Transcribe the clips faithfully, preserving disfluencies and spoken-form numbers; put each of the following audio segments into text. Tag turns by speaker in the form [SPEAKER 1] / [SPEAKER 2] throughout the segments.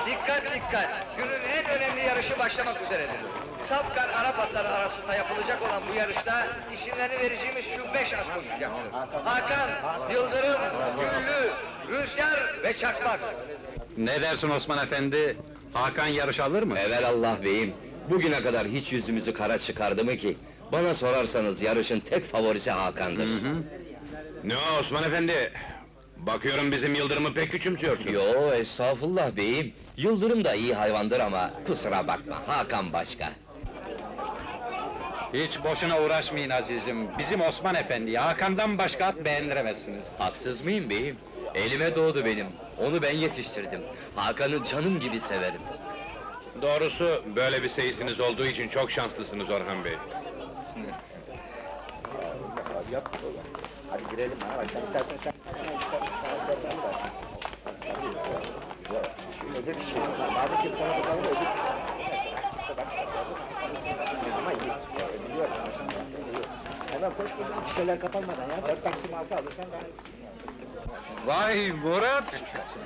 [SPEAKER 1] Dikkat dikkat! Günün en önemli yarışı başlamak üzeredir. Safkan Arap atları arasında yapılacak olan bu yarışta isimlerini vereceğimiz şu beş at koşacaktır. Hakan, Yıldırım, Güllü, Rüzgar ve Çakmak.
[SPEAKER 2] Ne dersin Osman Efendi? Hakan yarış alır mı?
[SPEAKER 3] Evelallah beyim, bugüne kadar hiç yüzümüzü kara çıkardı mı ki? Bana sorarsanız yarışın tek favorisi Hakan'dır.
[SPEAKER 2] Hı hı.
[SPEAKER 4] Ne o Osman Efendi? Bakıyorum bizim Yıldırım'ı pek küçümsüyorsun.
[SPEAKER 3] Yo, estağfurullah beyim. Yıldırım da iyi hayvandır ama kusura bakma, Hakan başka.
[SPEAKER 2] Hiç boşuna uğraşmayın azizim. Bizim Osman Efendi, Hakan'dan başka at beğendiremezsiniz.
[SPEAKER 3] Haksız mıyım beyim? Elime doğdu benim, onu ben yetiştirdim. Hakan'ı canım gibi severim.
[SPEAKER 4] Doğrusu böyle bir seyisiniz olduğu için çok şanslısınız Orhan Bey.
[SPEAKER 5] Hadi girelim ha, sen istersen sen... Şöyle bir şey, madem ki sana bakalım ödül... Ama iyi, biliyorum ama şimdi... Hemen koş koş, kişiler kapanmadan ya, dört taksim altı alırsan daha...
[SPEAKER 2] Vay Murat!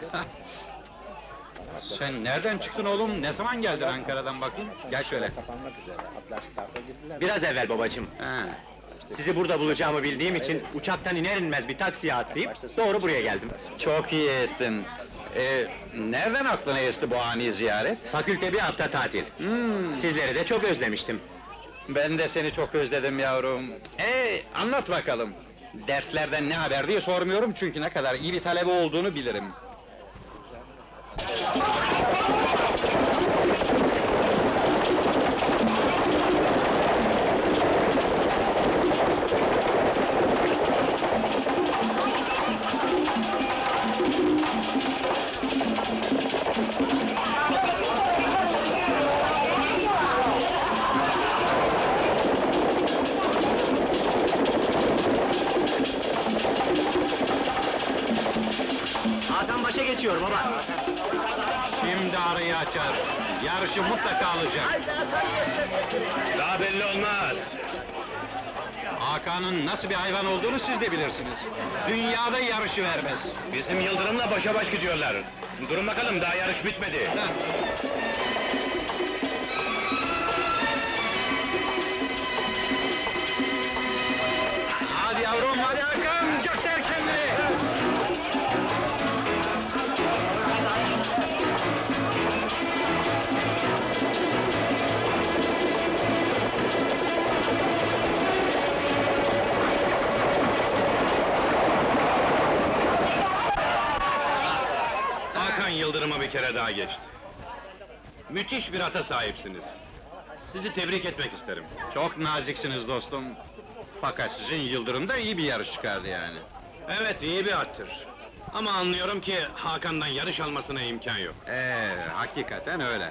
[SPEAKER 2] Sen nereden çıktın oğlum? Ne zaman geldin Ankara'dan bakayım? Gel şöyle.
[SPEAKER 5] Kapanmak üzere, atlar starta girdiler.
[SPEAKER 6] Biraz evvel babacığım.
[SPEAKER 2] Ha.
[SPEAKER 6] Sizi burada bulacağımı bildiğim için uçaktan iner inmez bir taksiye atlayıp doğru buraya geldim.
[SPEAKER 2] Çok iyi ettin. Ee, nereden aklına esti bu ani ziyaret?
[SPEAKER 6] Fakülte bir hafta tatil.
[SPEAKER 2] Hmm,
[SPEAKER 6] Sizleri de çok özlemiştim.
[SPEAKER 2] ben de seni çok özledim yavrum. Ee, anlat bakalım. Derslerden ne haber diye sormuyorum çünkü ne kadar iyi bir talebe olduğunu bilirim.
[SPEAKER 6] Hakan başa geçiyor baba.
[SPEAKER 2] Şimdi arayı açar. Yarışı mutlaka alacak.
[SPEAKER 4] Daha belli olmaz.
[SPEAKER 2] Hakan'ın nasıl bir hayvan olduğunu siz de bilirsiniz. Dünyada yarışı vermez.
[SPEAKER 4] Bizim Yıldırım'la başa baş gidiyorlar. Durun bakalım, daha yarış bitmedi.
[SPEAKER 2] Heh. Hadi yavrum, hadi Hakan, göster kendini!
[SPEAKER 4] Hakan Yıldırım'a bir kere daha geçti. Müthiş bir ata sahipsiniz. Sizi tebrik etmek isterim.
[SPEAKER 2] Çok naziksiniz dostum. Fakat sizin Yıldırım da iyi bir yarış çıkardı yani.
[SPEAKER 4] Evet, iyi bir attır. Ama anlıyorum ki Hakan'dan yarış almasına imkan yok.
[SPEAKER 2] Ee, hakikaten öyle.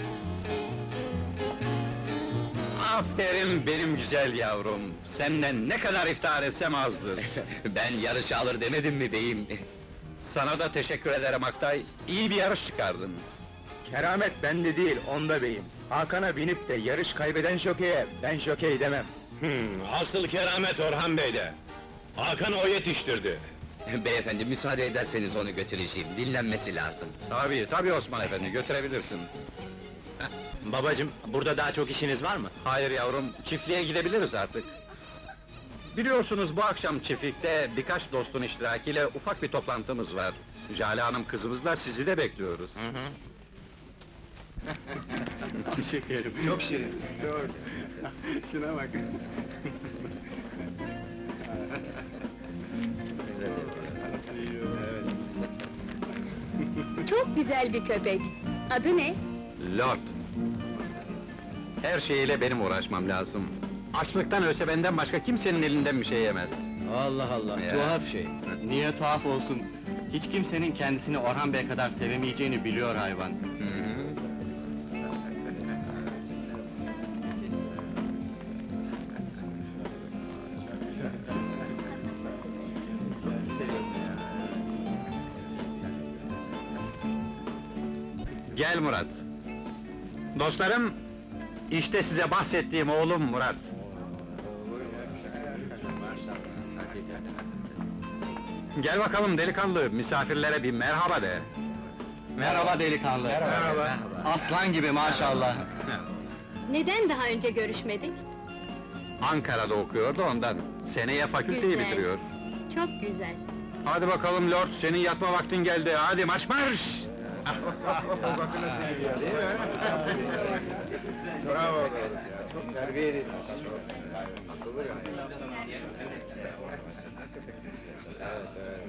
[SPEAKER 2] Aferin benim güzel yavrum. Senden ne kadar iftihar etsem azdır.
[SPEAKER 3] Ben yarışı alır demedim mi beyim?
[SPEAKER 2] Sana da teşekkür ederim Aktay. İyi bir yarış çıkardın.
[SPEAKER 6] Keramet bende değil, onda beyim. Hakan'a binip de yarış kaybeden jokeye ben jokey demem.
[SPEAKER 4] Hmm, asıl keramet Orhan Bey'de. Hakan'ı o yetiştirdi.
[SPEAKER 3] Beyefendi, müsaade ederseniz onu götüreceğim, dinlenmesi lazım.
[SPEAKER 2] Tabii, tabii Osman Efendi, götürebilirsin.
[SPEAKER 6] Babacığım, burada daha çok işiniz var mı?
[SPEAKER 2] Hayır yavrum, çiftliğe gidebiliriz artık. Biliyorsunuz bu akşam çiftlikte birkaç dostun iştirakiyle ufak bir toplantımız var. Jale Hanım kızımızla sizi de bekliyoruz.
[SPEAKER 6] Şekerim, çok şirin, çok. Şuna bak.
[SPEAKER 7] Çok güzel bir köpek. Adı ne?
[SPEAKER 2] Lord! Her şeyiyle benim uğraşmam lazım. Açlıktan ölse benden başka kimsenin elinden bir şey yemez.
[SPEAKER 3] Allah Allah,
[SPEAKER 2] Ya.
[SPEAKER 3] tuhaf şey.
[SPEAKER 6] Niye tuhaf olsun? Hiç kimsenin kendisini Orhan Bey kadar sevemeyeceğini biliyor hayvan.
[SPEAKER 2] Hı hı. Gel Murat. Dostlarım, işte size bahsettiğim oğlum Murat. Gel bakalım delikanlı, misafirlere bir merhaba de. Merhaba delikanlı.
[SPEAKER 6] Merhaba.
[SPEAKER 2] Aslan gibi maşallah.
[SPEAKER 7] Neden daha önce görüşmedik?
[SPEAKER 2] Ankara'da okuyordu ondan. Seneye fakülteyi
[SPEAKER 7] Güzel.
[SPEAKER 2] bitiriyor.
[SPEAKER 7] Çok güzel.
[SPEAKER 2] Hadi bakalım lord, senin yatma vaktin geldi. Hadi marş marş!
[SPEAKER 6] Bakın nasıl gidiyor değil mi? Bravo. Çok terbiye edilmiş. Akıllı yani. Evet, evet.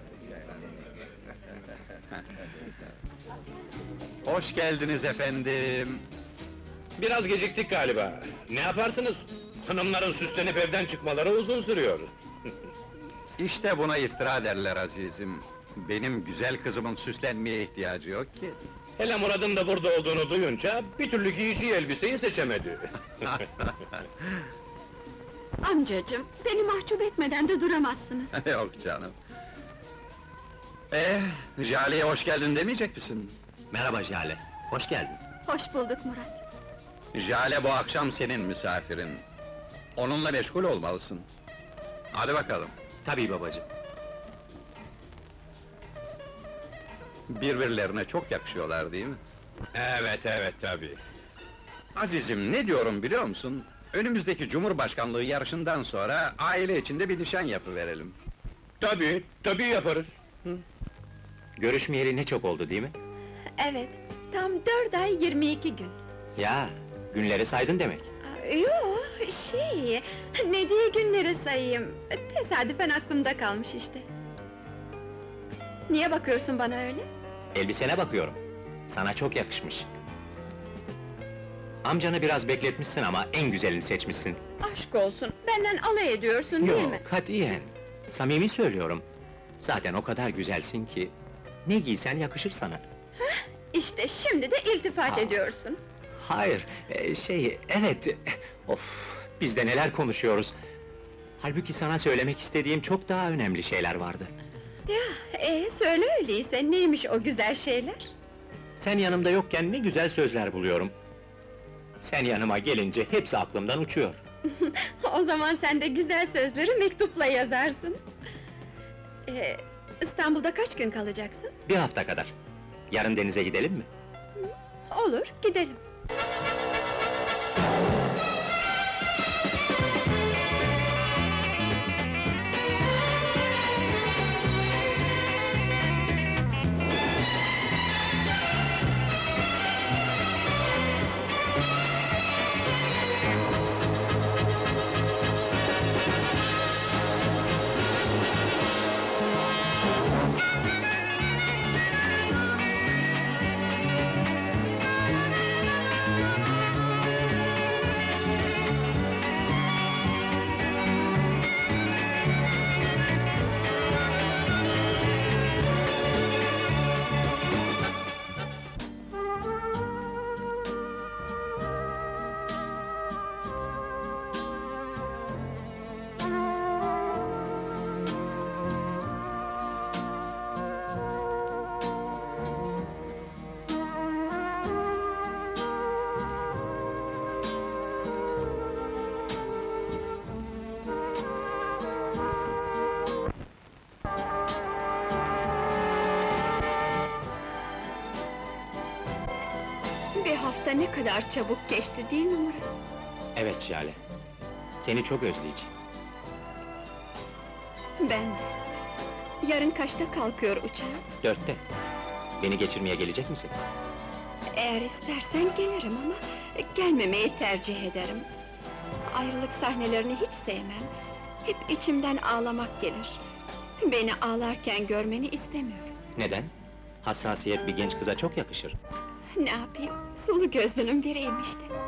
[SPEAKER 2] Hoş geldiniz efendim.
[SPEAKER 4] Biraz geciktik galiba. Ne yaparsınız? Hanımların süslenip evden çıkmaları uzun sürüyor.
[SPEAKER 2] İşte buna iftira derler azizim. Benim güzel kızımın süslenmeye ihtiyacı yok ki.
[SPEAKER 4] Hele Murad'ın da burada olduğunu duyunca bir türlü giyeceği elbiseyi seçemedi.
[SPEAKER 7] Amcacığım, beni mahcup etmeden de duramazsınız.
[SPEAKER 2] Yok canım. Eh, Jale'ye hoş geldin demeyecek misin?
[SPEAKER 3] Merhaba Jale, hoş geldin.
[SPEAKER 7] Hoş bulduk Murat.
[SPEAKER 2] Jale bu akşam senin misafirin. Onunla meşgul olmalısın. Hadi bakalım.
[SPEAKER 3] Tabii babacığım.
[SPEAKER 2] Birbirlerine çok yakışıyorlar değil mi?
[SPEAKER 4] Evet, evet tabii.
[SPEAKER 2] Azizim, ne diyorum biliyor musun? Önümüzdeki Cumhurbaşkanlığı yarışından sonra aile içinde bir nişan yapıverelim.
[SPEAKER 4] Tabii, tabii yaparız.
[SPEAKER 3] Görüşmeyeli ne çok oldu değil mi?
[SPEAKER 7] Evet, tam dört ay yirmi iki gün.
[SPEAKER 3] Ya, günleri saydın demek.
[SPEAKER 7] Yo, şey, ne diye günleri sayayım? Tesadüfen aklımda kalmış işte. Niye bakıyorsun bana öyle?
[SPEAKER 3] Elbisene bakıyorum. Sana çok yakışmış. Amcanı biraz bekletmişsin ama en güzelini seçmişsin.
[SPEAKER 7] Aşk olsun, benden alay ediyorsun değil
[SPEAKER 3] Yo,
[SPEAKER 7] mi?
[SPEAKER 3] katiyen. Samimi söylüyorum. Zaten o kadar güzelsin ki... ...ne giysen yakışır sana.
[SPEAKER 7] İşte şimdi de iltifat
[SPEAKER 3] Aa.
[SPEAKER 7] ediyorsun.
[SPEAKER 3] Hayır, e, şey, evet... Of, biz de neler konuşuyoruz. Halbuki sana söylemek istediğim çok daha önemli şeyler vardı.
[SPEAKER 7] Ya, ee, söyle öyleyse, neymiş o güzel şeyler?
[SPEAKER 3] Sen yanımda yokken ne güzel sözler buluyorum. Sen yanıma gelince hepsi aklımdan uçuyor.
[SPEAKER 7] O zaman sen de güzel sözleri mektupla yazarsın. Ee, İstanbul'da kaç gün kalacaksın?
[SPEAKER 3] Bir hafta kadar. Yarın denize gidelim mi?
[SPEAKER 7] Olur, gidelim. Bir hafta ne kadar çabuk geçti değil mi Murat?
[SPEAKER 3] Evet Jale. Seni çok özleyeceğim.
[SPEAKER 7] Ben de. Yarın kaçta kalkıyor uçağın?
[SPEAKER 3] Dörtte. Beni geçirmeye gelecek misin?
[SPEAKER 7] Eğer istersen gelirim ama gelmemeyi tercih ederim. Ayrılık sahnelerini hiç sevmem. Hep içimden ağlamak gelir. Beni ağlarken görmeni istemiyorum.
[SPEAKER 3] Neden? Hassasiyet bir genç kıza çok yakışır.
[SPEAKER 7] Ne yapayım? Sulu gözlünün biriyim işte.